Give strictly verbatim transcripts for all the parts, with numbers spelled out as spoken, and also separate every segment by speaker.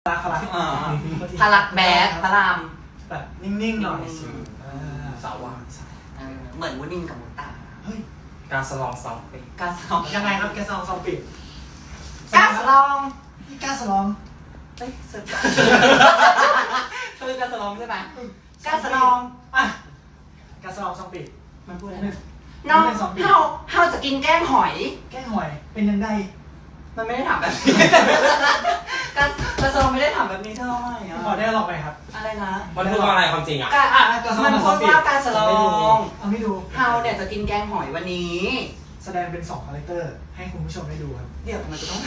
Speaker 1: รักพลัก
Speaker 2: พลักแบดพระราม
Speaker 1: แบบนิ่งๆหน่อย
Speaker 3: สาวว่า
Speaker 2: เหมือนวุ้นนินกับมุตตา
Speaker 1: เฮ้ย
Speaker 3: การสลองซองปี
Speaker 2: การสลอง
Speaker 1: ยังไงครับแกสลองซองปิด
Speaker 2: การสลอง
Speaker 1: นี่การสลอง
Speaker 2: เฮ้ยเสร็จเธอการสลองใช่ไหมการสลอง
Speaker 1: อ่ะการสลองซองปิด
Speaker 2: มันพูดอะไรน้องเฮาเฮาจะกินแกงหอย
Speaker 1: แกงหอยเป็นยังไง
Speaker 2: มันไม่ได้ถามแบบนี้การการสลองไม่ได้ถามแบบนี้เท่าไหร่อ่ะ
Speaker 1: ขอได้หรอกไหมครับ
Speaker 2: อะไรนะ
Speaker 3: มันพูดว่าอะไรความจริงอ่ะ
Speaker 2: มันพูดว่าการสลอง
Speaker 1: เอาไม่ดู
Speaker 2: เฮาเนี่ยจะกินแกงหอยวันนี้
Speaker 1: แสดงเป็นสองคาแรคเตอร์ให้คุณผู้ชมได้ดูครับ
Speaker 2: เดี๋ยวมันจะต้อง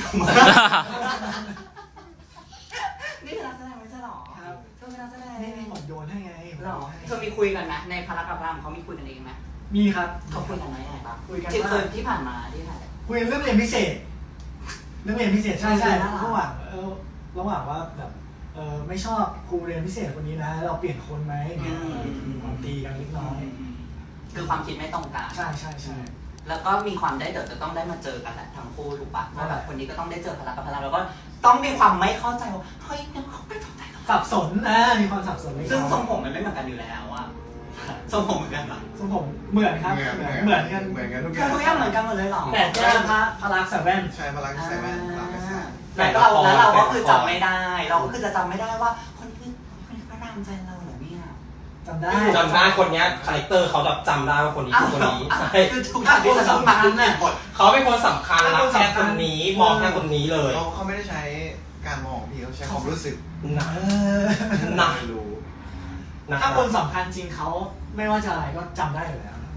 Speaker 2: นี่คือนักแสดงไม่ใช่หรอ
Speaker 1: ครับ
Speaker 2: เธอเป็นนักแสดง
Speaker 1: นี่ผมโยนให้ไง
Speaker 2: หรอเธอมีคุยกันไหมในพารากับรามเขามีคุยกันเองไหม
Speaker 1: มีครับ
Speaker 2: เขาคุยกันไหมอะไรบ้าง
Speaker 1: คุยกัน
Speaker 2: ที่เคยที่ผ่านมาที่ไหน
Speaker 1: คุยเรื่องเรียนพิเศษเรื่องเรียนพิเศษใช่ใช่ระหว่างเออระหว่างว่าแบบเออไม่ชอบครูเรียนพิเศษคนนี้นะเราเปลี่ยนคนไหมเนี่ยมีความตีกันเล็กน้อย
Speaker 2: คือความคิดไม่ตรงกัน
Speaker 1: ใช่ใช่ใช่
Speaker 2: แล้วก็มีความได้เดี๋ยวจะต้องได้มาเจอกันแหละทั้งคู่ถูกปะว่าแบบคนนี้ก็ต้องได้เจอพลังกับพลังแล้วก็ต้องมีความไม่เข้าใจว่าเฮ้ยมันเขาไม่เข้าใจ
Speaker 1: สับสนนะมีความสับสน
Speaker 2: ซึ่งทรงผมมันไม่เหมือนกันอยู่แล้วอะทรงผมเหมือนกันปะ
Speaker 1: ทรงผมเหมือนครับเหมือนกัน
Speaker 4: เหมือนกันทุกอ
Speaker 2: ย่างทุกอย่างเหมือนกันหมดเลยหรอ
Speaker 1: แต่แค่พระพลังใส่แว่น
Speaker 4: ใช่พลังใส่แว่นพลังใส่
Speaker 2: แต่เราแล้วเราก็คือจำไม่ได้เราก็คือจะจำไม่ได้ว่าคนนี้คนนี้พระรามใจเราเหรอเนี่ย
Speaker 1: จำได้
Speaker 3: จำได้คนนี้คาแรคเตอร์เขาแบบจำได้ว่าคนนี้คือคนนี้ใช่
Speaker 2: คือทุกอย่างที่สำคัญเนี่ย
Speaker 3: เขาเป็นคนสำคัญรักแค่คนนี้มองแค่คนนี้เลย
Speaker 4: เขาเขาไม่ได้ใช้การมองพี่เขาใช้ความรู้สึก
Speaker 3: นะนะ
Speaker 4: รู้
Speaker 1: ถ้าคนสำคัญจริงเขาไม่ว่าจะอะไรก็จำได้อยู่แล้ว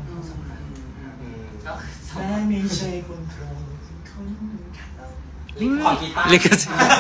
Speaker 1: แม้ไม่ใช่คนโปรดคน
Speaker 3: ขอกีตาร์
Speaker 5: ลิขสิทธิ์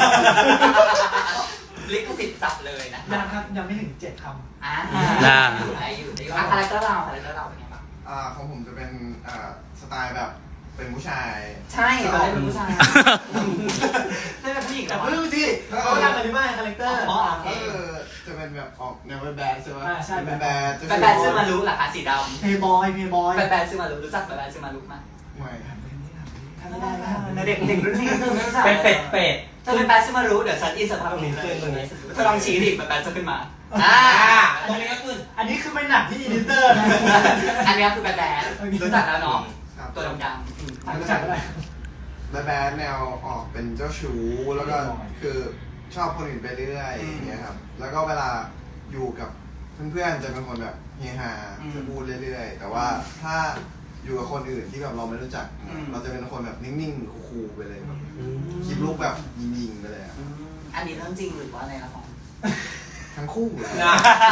Speaker 2: ลิขสิทธิ์จับเลยนะ
Speaker 1: ยังครับยังไม่ถึงเจ็ดค
Speaker 2: ำอ่าอยู่ได้อยู่ได้คาแรคเตอร์เราคาแรคเตอร์เราเป็นไงบ้าง
Speaker 4: อ่าของผมจะเป็นอ่าสไตล์แบบเป็นผู้ชาย
Speaker 2: ใช่เราเป็นผู้ชายไม่เป็นผู้หญิง
Speaker 1: แต่เพิ่งสิเขาทำอะไรบ้างคาแรคเตอร์
Speaker 4: อ๋อเออจะเป็นแบบออกแนวแบดใช่ไหม
Speaker 1: ใช่แบด
Speaker 4: แบด
Speaker 2: แบดแบดซื้อมารู้หรอคะสีดำ
Speaker 1: เพย์บอยเพย์บอย
Speaker 2: แบดแบดซื้อมารู้รู้จักแบดแบดซื้อมารู้ไหม
Speaker 4: ไม่
Speaker 1: ไม่ได้
Speaker 2: นะเด็กเด็กรุ่นนี้คือไม่รู้จัก
Speaker 3: เป็ดเป็ดเป็ด
Speaker 2: เธอเป็นแบดซื้อมารู้เดี๋ยวฉันอินสตาแกรมนี้เลยเธอลองชี้ดิแบดแบดจะขึ้นมา
Speaker 3: อ่าตรงนี้ก็คือ
Speaker 1: อันนี้คือไม่หนักที่อีดิเตอร์นะ
Speaker 2: อันนี้คือแบดแบดรู้จักแล้วเนาะตัวดำๆ
Speaker 1: รู้จักอะไร
Speaker 4: แบดแบดแนวออกเป็นเจ้าชู้แล้วก็คือชอบคนอื่นไปเรื่อยอย่างเงี้ยครับแล้วก็เวลาอยู่กับเพื่อนๆจะเป็นคนแบบเฮฮาจะพูดเรื่อยๆแต่ว่าถ้าอยู่กับคนอื่นที่แบบเราไม่รู้จักเราจะเป็นคนแบบนิ่งๆคูลๆไปเลยแบบคลิปลุกแบบยิงๆไปเลยอ่ะ
Speaker 2: อันนี้เรื่องจริงหรือว่าอะไรครับผม
Speaker 4: ทั้งคู่
Speaker 2: ได้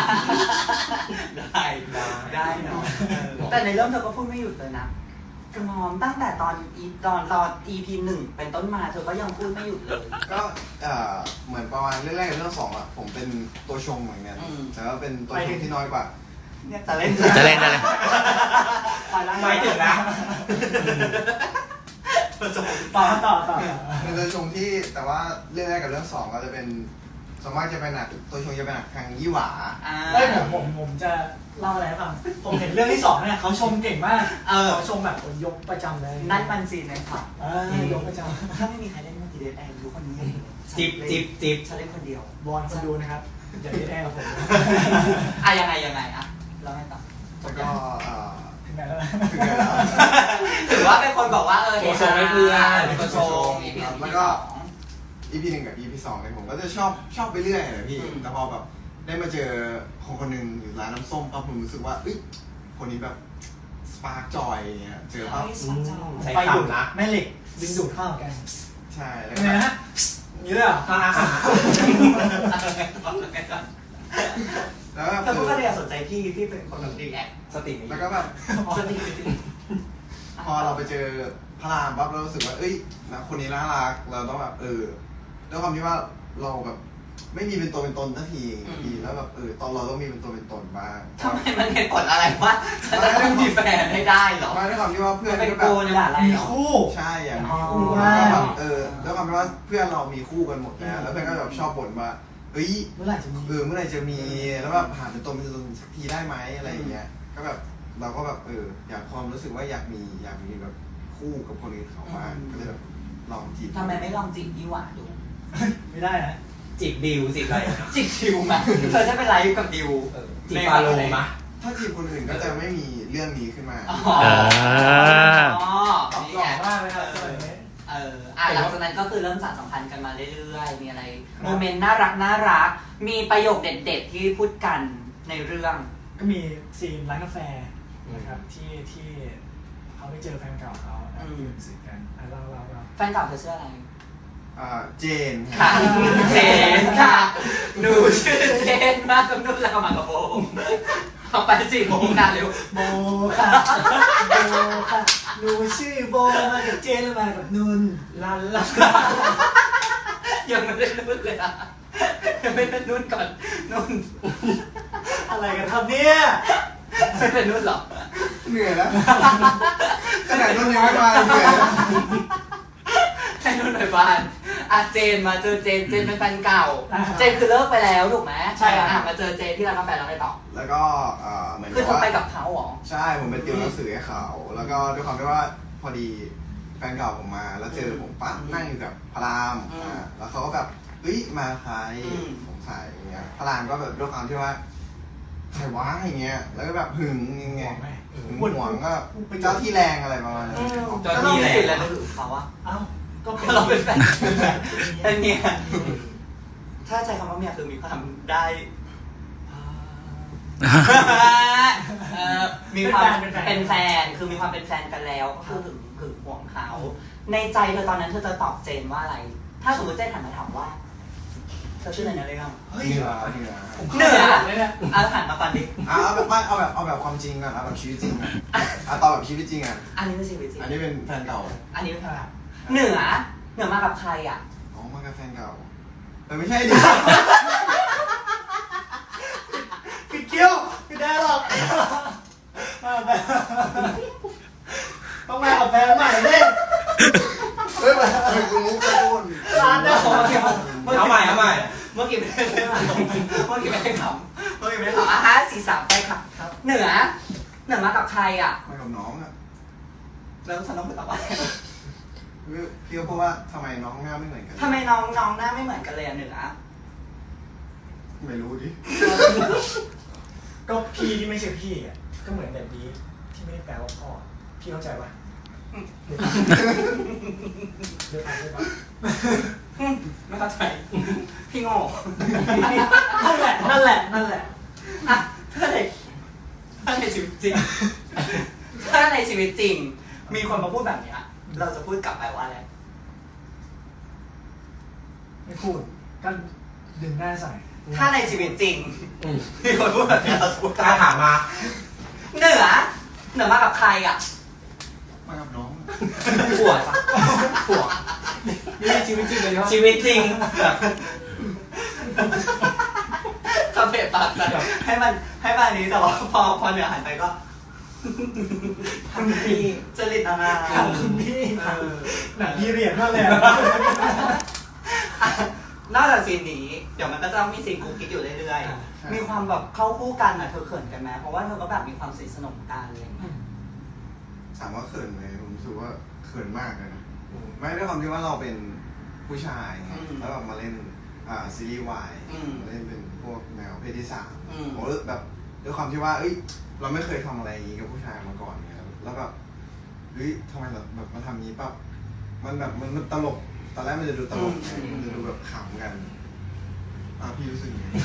Speaker 2: ได้เนาะแต่ในเรื่องเธอก็พูดไม่หยุดเลยนะกระหม่อมตั้งแต่ตอนอีตอนตอน อี พี หนึ่งเป็นต้นมาเธอก็ยังพูดไม่หยุดเลย
Speaker 4: ก็เหมือนประมาณเรื่องแรกกับเรื่องสองอ่ะผมเป็นตัวชงเหมือนกันแต่ว่าเป็นตัวชงที่น้อยกว่า
Speaker 2: จะเล่น
Speaker 5: จะเล่นจะเล่น
Speaker 3: ไม่ถึงนะ
Speaker 1: ต่อต่อต่อ
Speaker 4: เป็นตัวชงที่แต่ว่าเรื่องแรกกับเรื่องสองก็จะเป็นสมมติจะเป็นหนักตัวชงจะเป็นหนักทางยี่หวา
Speaker 1: เอ้ยผมผมผมจะเล่าอะไรให้ฟังผมเห็นเรื่องที่สองเนี่ยเขาชมเก่งมากเขาชมแบบยกประจำเลย
Speaker 2: นั่นมันซีนเลยค่ะ
Speaker 1: ยกประจ
Speaker 2: ำถ้าไม่มีใครเล่นเมื่อกี้เดทแอนรู้คนนี้
Speaker 3: จิบจิบจิบ
Speaker 2: ฉันเล่นคนเดียว
Speaker 1: บอลคนดูนะครับอย่าเดทแอนกับผม
Speaker 2: อ่ะยังไงยังไงอ่ะเราให้ต่อ
Speaker 4: แล้วก็
Speaker 1: ถึงไหนแล้ว
Speaker 4: ถึงไหนแล้ว
Speaker 2: ถือว่าเป็นคนบอกว่าเออ
Speaker 3: ตัวชงไม่เพื่อน
Speaker 4: ตัวชงแล้วก็ อี พี หนึ่งกับ อี พี สองเนี่ยผมก็จะชอบชอบไปเรื่อยเลยพี่แต่พอแบบได้มาเจอคนคนหนึ่งอยู่ร้านน้ำส้มปั๊บผมรู้สึกว่าเอ้ยคนนี้แบบสปาร์กจอยอย่างเงี้ยเจอปั๊บ
Speaker 1: ไฟดูดนะแม่เหล็กดึงดูดเข้ากัน
Speaker 4: ใช่แล้ว
Speaker 1: ก็นะนี่เลยอ่ะ
Speaker 4: แล้ว
Speaker 2: แต่พวกก็เลยสนใจพี่ที่เป็นคนแบบดีแอค
Speaker 3: สติ
Speaker 4: แล้วก็แบบ
Speaker 2: สติ
Speaker 4: พอเราไปเจอพระรามปั๊บเรารู้สึกว่าเอ้ยนะคนนี้น่ารักเราต้องแบบเออด้วยความที่ว่าเราแบบไม่มีเป็นตัวเป็นตนสักทีทีแล้วแบบเออตอนเราต้องมีเป็นตัวเป็นตนบ้าง
Speaker 2: ทำไมมันเหตุผลอะไรว่าฉันจะต้องมีแฟนให้ได้หรอ
Speaker 4: ไม่ด้วยความที่ว่าเพื่อน
Speaker 2: ก็แบบ
Speaker 1: มีคู่
Speaker 4: ใช่อย่างมีคู่แล้วแบบเออด้วยความที่ว่าเพื่อนเรามีคู่กันหมดแล้วแล้วเพื่อนก็แบบชอบบ่นว่าเฮ้ย
Speaker 1: เมื่อไหร่จะมี
Speaker 4: เออเมื่อไหร่จะมีแล้วแบบหาเป็นตัวเป็นตนสักทีได้ไหมอะไรอย่างเงี้ยก็แบบเราก็แบบเอออยากความรู้สึกว่าอยากมีอยากมีแบบคู่กับคนอื่นเขาบ้างก็เลยแบบลองจีบ
Speaker 2: ทำไมไม่ลองจีบยี่หว่าดู
Speaker 1: ไม่ได้นะ
Speaker 3: จีบดิวจีบอะไรนะ
Speaker 2: จิกดิวมาเธอจะเป็นไลฟ์กับดิว
Speaker 3: เออจีบฟาโลมะ
Speaker 4: ถ้าทีมคนอื่นก็จะไม่มีเรื่องนี้ขึ้นมา
Speaker 2: อ๋อ
Speaker 5: อ่า
Speaker 1: ตอบ
Speaker 2: นี่
Speaker 1: หล่
Speaker 2: ไง
Speaker 1: อมากเลยครับสมัยนี้
Speaker 2: เอออ่ะหลังจากนั้นก็คือเริ่มสานสัมพันธ์กันมาเรื่อยๆ มีอะไรโมเมนต์น่ารักน่ารัก มีประโยคเด็ดๆที่พูดกันในเรื่อง
Speaker 1: ก็มีซีนร้านกาแฟนะครับที่ที่เขาไปเจอแฟนเก่าเขาแล้ว
Speaker 2: อืม
Speaker 1: ยืนสึกกันอ่ะเราเราเรา
Speaker 2: แฟนเก่าเธอชื่ออะไร
Speaker 4: อ่าเจน
Speaker 2: ค่ะเจนค่ะหนูชื่อเจนมากกับนุ่นแล้วก็มากับโบเอาไปสี่โมงนานเร็ว
Speaker 1: โบค่ะโบค่ะหนูชื่อโบมากับเจนแล้วมากับนุ่น
Speaker 3: ลันลัน
Speaker 2: ยังไม่ได้นุ่นเลยอ่ะยังไม่ได้นุ่นก่อนนุ่น
Speaker 1: อะไรกันครับเนี่ย
Speaker 2: ไม่เป็นนุ่นหรอ
Speaker 4: เหนื่อยแล้วขนาดนู้นยังไม่มาเหนื่อยแล้ว
Speaker 2: ให้นุ่นหน่อยบ้านอ่ะเจนมาเจอเจนเจนเป็นแฟนเก่า เจนคือเลิกไปแล้วถูกไหมใช่อ่ะมาเจอเจนที่ร้านกาแฟแล้วไปต่อ
Speaker 4: แล้วก็เอ่อเหมือน
Speaker 2: คือเธอ
Speaker 4: ว่า
Speaker 2: ไปกับเขาเหรอ
Speaker 4: ใช่ผมไปติวหนังสือให้เขาแล้วก็ด้วยความที่ว่าพอดีแฟนเก่าผมมา แล้วเจอผมปั๊บนั่งอยู่กับพระราม
Speaker 2: อืม
Speaker 4: อ่าแล้วเขาก็แบบเฮ้ยมาใคร
Speaker 2: อืม
Speaker 4: สงสัยอย่างเงี้ยพระรามก็แบบด้วยความที่ว่าใครวะอย่างเงี้ยแล้วก็แบบหึงยังไง
Speaker 1: ห่วงไหม
Speaker 4: หึงหวงก็เจ้าที่แรงอะไรประมาณนั้น
Speaker 2: ก็ต้องมีสิทธิ์อะไรมาถึงเขาอะ
Speaker 1: เอ้าก็
Speaker 2: ก็เราเป็นแฟนเป็นเมียถ้าใช้คำว่าเมียคือมีความได้เอ่อมีความเป็นแฟนคือมีความเป็นแฟนกันแล้วก็คือถึงถึงห่วงเขา ในใจเธอตอนนั้นเธอจะตอบเจนว่าอะไร ถ้าสมมติเจนหันมาถามว่าเธอชื่ออะไรนะเรื่อง
Speaker 1: เฮ้ย
Speaker 4: เหนือเหนือ
Speaker 2: เหนือ
Speaker 1: เลยเนี่ย
Speaker 2: เอาหันมาก่อนดิ
Speaker 4: เอาแบบไม่เอาแบบเอาแบบความจริงก่อนเอาแบบชีวิตจริงก่อนเอาตอนแบบชีวิตจริงอ่ะ
Speaker 2: อันนี้เป็นชีวิตจริง
Speaker 4: อันนี้เป็นแฟนเก่า
Speaker 2: อันนี้เป็นใครเหนือเหนือมากับใครอ่ะ
Speaker 4: อ๋อมากับแฟนเก่าแต่ไม่ใช่ดิ
Speaker 1: ปิดคิ้วไม่ได้หรอกมาแบบต้องมากับแฟนใหม่ดิ
Speaker 4: เฮ้ยมันมันคือมุกกระตุ้น
Speaker 1: ร้านเดียว
Speaker 3: เอาใหม่เอาใหม่
Speaker 2: เมื่อกี้ไม่ได้เมื่อกี้ไม่ได้ขำเมื่อกี้ไม่ได้ขำอ่ะฮะสี่สามไปค่ะ
Speaker 1: ครับ
Speaker 2: เหนือ เหนือมากับใครอ่ะ
Speaker 4: มากับน้องอ่ะ
Speaker 2: แล้วฉันต้องไปตอบว่า
Speaker 4: พี่ก็พูดว่าทำไมน้องหน้าไม่เหมือนกัน
Speaker 2: ทำไมน้องน้องหน้าไม่เหมือนกันเลยอ่ะเหนือ
Speaker 4: ไม่รู้ดิ
Speaker 1: ก็พี่ที่ไม่ใช่พี่อ่ะก็เหมือนแบบนี้ที่ไม่ได้แปลว่าพ่อพี่เข้าใจปะเดี๋ยวไปเดี๋ยวไป
Speaker 2: ไม่เข้าใจพี่โง่
Speaker 1: นั่นแหละนั่นแหละนั่นแหละ
Speaker 2: อ่ะถ้าในถ้าในชีวิตจริง ถ้าในชีวิตจริง มีคนมาพูดแบบเนี้ยเราจะพูดกลับไปว่าอะไร
Speaker 1: ไม่พูดก็ดึงหน้าใส่
Speaker 2: ถ้าในชีวิตจริง
Speaker 3: อืม
Speaker 2: มีคนพูดแบบเนี้ยเราจะพูดกลับ
Speaker 3: ถ้าถามมา
Speaker 2: เหนือ เหนือมากับใครอ่ะ
Speaker 4: มากับน้อง
Speaker 2: ปวดจ้ะปวด
Speaker 1: นี่ชีวิตจริงเลยเนาะ
Speaker 3: ชีวิตจริงแบบ
Speaker 2: คาเฟ่ปากแต่ให้มันให้มันนี้แต่ว่าพอพอเหนือหันไปก็
Speaker 1: คุณพี่
Speaker 2: จริตอะไร
Speaker 1: ถามคุณพี่
Speaker 2: เออ
Speaker 1: หนังพี่เรียนมากเลยอะ
Speaker 2: อ่ะนอกจากซีนนี้ เดี๋ยวมันก็จะมีซีนกุ๊กกิ๊กอยู่เรื่อยๆ มีความแบบเข้าคู่กันอ่ะเธอเขินกันไหมเพราะว่าเธอก็แบบมีความสนิทสนมกันอะไรอย่างเงี้ย
Speaker 4: ถามว่าเขินไหมผมรู้สึกว่าเขินมากเลยนะไม่ด้วยความที่ว่าเราเป็นผู้ชายไงแล้วแบบมาเล่นอ่าซีรีส์วายมาเล่นเป็นพวกแนวเพศที่สามผมรู้สึกแบบด้วยความที่ว่าเอ้ยเราไม่เคยทำอะไรอย่างนี้กับผู้ชายมาก่อนไงแล้วแบบเฮ้ยทำไมแบบแบบมาทำนี้ปั๊บมันแบบมันมันตลกตอนแรกมันจะดูตลกไงมันจะดูแบบขำกันอ่ะพี่รู้สึกยังไง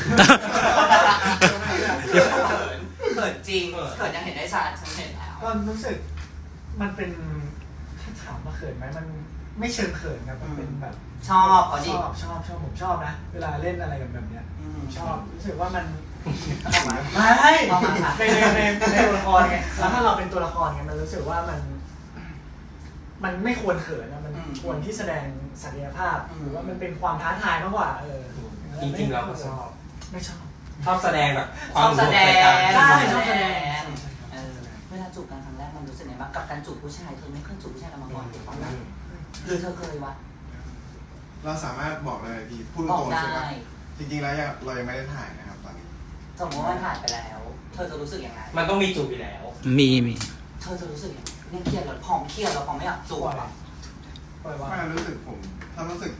Speaker 2: เขินเขินจริงเขินยังเห็นได้ชัดฉันเห็นแล้ว
Speaker 1: ก็รู้สึกมันเป็นถ้าถามว่าเขินไหมมันไม่เชิงเขินครับมันเป็นแบบ
Speaker 2: ชอบเขา
Speaker 1: ช
Speaker 2: ดิ
Speaker 1: อบชอบชอบผมชอบนะเวลาเล่นอะไรกันแบบเนี้ย
Speaker 2: อืม
Speaker 1: ชอบรู้สึกว่ามัน
Speaker 2: เอามา
Speaker 1: ไม่
Speaker 2: เอามาค่ะ
Speaker 1: ในในในในตัวละครไงแล้วถ้าเราเป็นตัวละครไงมันรู้สึกว่ามัน มันไม่ควรเขินนะมันควรที่แสดงศักยภาพหรือว่ามันเป็นความท้าทายมากกว่าเออ
Speaker 3: จริงๆเราก็ชอบ
Speaker 1: ไม่ชอบ
Speaker 3: ชอบแสดงแบบค
Speaker 2: ช
Speaker 3: วา
Speaker 2: อ
Speaker 3: ม
Speaker 2: บแสดง
Speaker 1: ใช่ชอบแสดง
Speaker 2: เออเวลาจูบกันครั้งแรกมันรู้สึกไงบ้างกับการจูบผู้ชายเธอไม่เคยจูบผู้ชายกันมาก่อนถูกต้องไหมหรือเธอเคยวะ
Speaker 4: เราสามารถบอกเลยพี่พูด
Speaker 2: บอ
Speaker 4: ต
Speaker 2: ก
Speaker 4: รงๆ
Speaker 2: ได้
Speaker 4: ใช่ไหมจริงๆแล้วยังเรายังไม่ได้ถ่ายนะครับตอนนี้
Speaker 2: สมมติว่ามันผ่านไปแล้ว เธอจะรู้สึกยังไง
Speaker 3: มันต้องมีจูบอยู่แล้ว
Speaker 5: มีมี
Speaker 2: เธอจะรู้สึกยังไงเนี่ยเครียดแล้วพองเครียดแล้วพองไม่อยากจูบอ่ะ
Speaker 1: ปล่อยวาง
Speaker 4: ไม่รู้สึกผมถ้ารู้สึกแบบ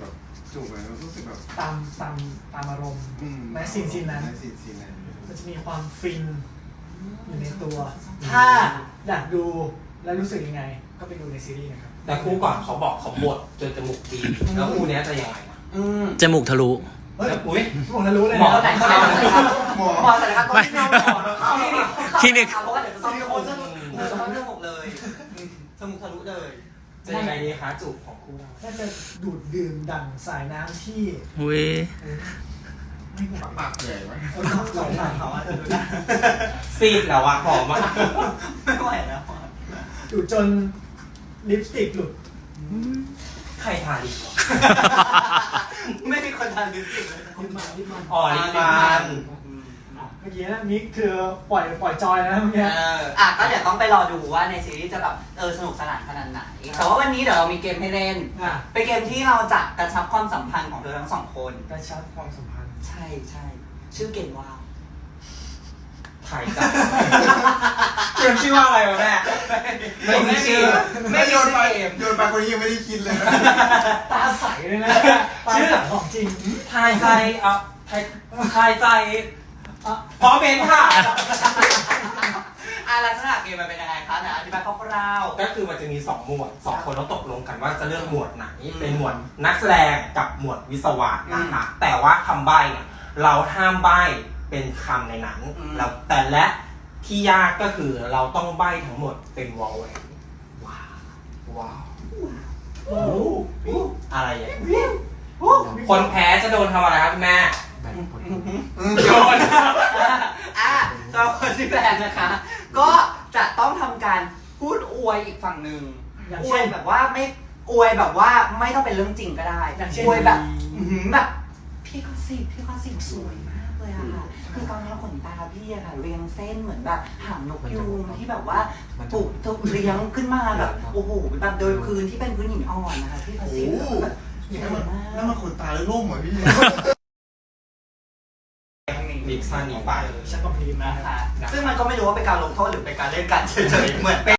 Speaker 4: จูบเลยรู้สึกแบบ
Speaker 1: ตามตามตามอารมณ์
Speaker 4: อืม
Speaker 1: แม้ซีนซีนนั้น
Speaker 4: แม้ซีนซีนนั้น
Speaker 1: มันจะมีความฟินอยู่ในตัว ถ้าอยากดูและรู้สึกยังไง ก็ไปดูในซีรีส์นะครับ
Speaker 3: แต่คู่ก่อนเขาบอกเขาบดจนจมูกดีแล้วคู่เนี้ยจะยังไงนะ
Speaker 2: อืม
Speaker 5: จมูกทะลุ
Speaker 1: เฮ้ย
Speaker 3: อุ้ย
Speaker 1: ผมจะรู้เลย
Speaker 2: หมอ
Speaker 1: นะ
Speaker 2: ไหนเข้าไหนครับ
Speaker 4: หมอ
Speaker 2: หมอไหนครับต้องที่เราหมอเข้า
Speaker 5: คลินิก
Speaker 2: เพราะว่าเดี๋ยวจะต้องโคนจมูกเดี๋ยวจะต้องเรื่องหมดเลยจมูกทะลุเลย
Speaker 3: จะยังไงดีคะจูบของคู่เรา
Speaker 1: น่าจะดูดดื่มดั่งสายน้ำที่
Speaker 5: อุ้ย
Speaker 1: ไม่หมด
Speaker 4: ปากใหญ่ไหม
Speaker 1: เออสายน้ำ
Speaker 2: เขาอาจจะดูได้
Speaker 3: ซีดแล้วอะหอมมาก
Speaker 2: ไม่ไหวแล้ว
Speaker 1: ดูดจนลิปสติกหลุด
Speaker 3: ใครทาลิปวะ
Speaker 2: ไม่มีคนทานลิปสติกเลย
Speaker 1: ลิปมันลิปมัน
Speaker 3: อ๋อลิปมัน
Speaker 1: เมื่อกี้นะมิกคือปล่อยปล่อยจอยนะเมื่อ
Speaker 2: เอ
Speaker 1: กี้
Speaker 2: ออ่ะก็เดี๋ยวต้องไปรอดูว่าในซีรีส์จะแบบเออสนุกสนานขนาดไหนแต่ว่าวันนี้เดี๋ยวเรามีเกมให้เล่น
Speaker 1: อ่ะ
Speaker 2: เป็นเกมที่เราจะกระชับความสัมพันธ์ของเธอทั้งสองคน
Speaker 1: กระชับความสัมพันธ์
Speaker 2: ใช่ใช่ชื่อเกมว่า
Speaker 3: ถ่ายจับเกมชื่อว่าอะไรวะแม่ไม่มีชื่อ
Speaker 4: ไม่โยนไปโยนไปคนนี้ยังไม่ได้คิดเลย
Speaker 1: ตาใสเลยนะตาใสของจริง
Speaker 3: ทายใจเอ่ะทายทายใจ
Speaker 1: อ่ะ
Speaker 3: พร้อมเป็นค่ะ
Speaker 2: อ่ะลักษณะเกมมันเป็นยังไงคะนะอธิบายคร่าว
Speaker 3: ก็คือมันจะมีสองหมวดสองคนต้องตกลงกันว่าจะเลือกหมวดไหน เป็นหมวดนักแสดงกับหมวดวิศวะนะคะแต่ว่าคำใบ้เนี่ยเราห้ามใบ้เป็นคำในนั้นแล้วแต่และที่ยากก็คือเราต้องใบ้ทั้งหมดเป็นวอลเวนว้าวว้าว
Speaker 1: โอ้โห
Speaker 3: อะไรอย่างนี้คนแพ้จะโดนทำอะไรครับคุณแม่ โดน
Speaker 2: ๆอ่ะสำหรับคนที่แพ้นะคะ ก็จะต้องทำการพูดอวยอีกฝั่งหนึ่ง
Speaker 1: อย่าง
Speaker 2: อว
Speaker 1: เช่
Speaker 2: ย
Speaker 1: น
Speaker 2: แบบว่าไม่อวยแบบว่าไม่ต้องเป็นเรื่องจริงก็ได้
Speaker 1: อย่างเช่น
Speaker 2: อวยแบบอื้อหือแบบพี่ก็สิพี่ก็สิสวยมากเลยอะค่ะคือตอนนี้ขนตาพี่อะค่ะเรียงเส้นเหมือนแบบหางนกยูงที่แบบว่าปลูกถูกเลี้ยงขึ้นมาแบบโอ้โหแบบโดยพื้นที่เป็นพื้นหินอ่อนนะคะพี่ก็
Speaker 4: โอ้
Speaker 2: สิ
Speaker 4: โห
Speaker 2: แบบ
Speaker 4: นี่
Speaker 2: ส
Speaker 4: มั
Speaker 2: วย
Speaker 4: น
Speaker 2: มาก
Speaker 4: นั่นมันขนตาแล้วร่มเหรอพี่
Speaker 3: มิกซ์ท่านี้ไป
Speaker 1: ฉันก็พรีมนะ
Speaker 2: นะคะซึ่งมันก็ไม่รู้ว่าเป็นการลงโทษหรือเป็นการเล่นกันเฉยๆเหมือนเป็น